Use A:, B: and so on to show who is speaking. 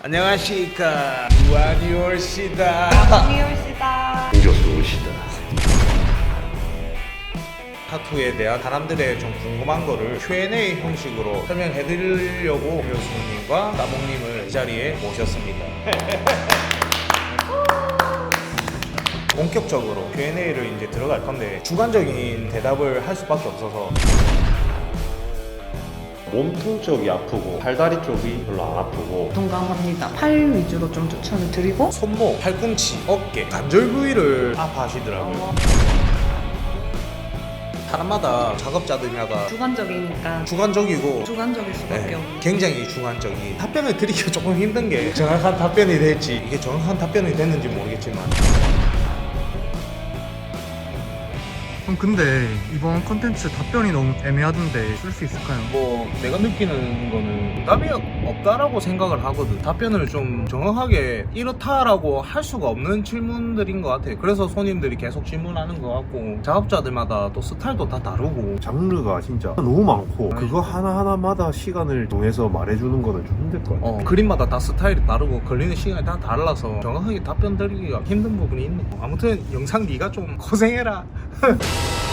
A: 안녕하십니까. 유한이올시다.
B: 안녕하십니까.
A: 우겨수시다. 타투에 대한 사람들의 좀 궁금한 거를 Q&A 형식으로 설명해 드리려고 교수님과 따봉님을 이 자리에 모셨습니다. 본격적으로 Q&A를 이제 들어갈 건데 주관적인 대답을 할 수밖에 없어서
C: 몸통 쪽이 아프고 팔다리 쪽이 별로 안 아프고
B: 동감합니다. 팔 위주로 좀 추천을 드리고
A: 손목, 팔꿈치, 어깨, 관절 부위를 아파하시더라고요. 사람마다 작업자들마다
B: 주관적이니까
A: 주관적이고
B: 주관적일 수밖에
A: 네,
B: 없는.
A: 굉장히 주관적인 답변을 드리기가 조금 힘든 게 정확한 답변이 될지 이게 정확한 답변이 됐는지 모르겠지만
D: 근데 이번 컨텐츠 답변이 너무 애매하던데 쓸 수 있을까요?
A: 뭐 내가 느끼는 거는 답이 없다라고 생각을 하거든. 답변을 좀 정확하게 이렇다라고 할 수가 없는 질문들인 것 같아. 그래서 손님들이 계속 질문하는 것 같고 작업자들마다 또 스타일도 다 다르고
C: 장르가 진짜 너무 많고 그거 하나하나마다 시간을 정해서 말해주는 거는 좀 힘들 것 같아요.
A: 그림마다 다 스타일이 다르고 걸리는 시간이 다 달라서 정확하게 답변 드리기가 힘든 부분이 있네. 아무튼 영상 네가 좀 고생해라.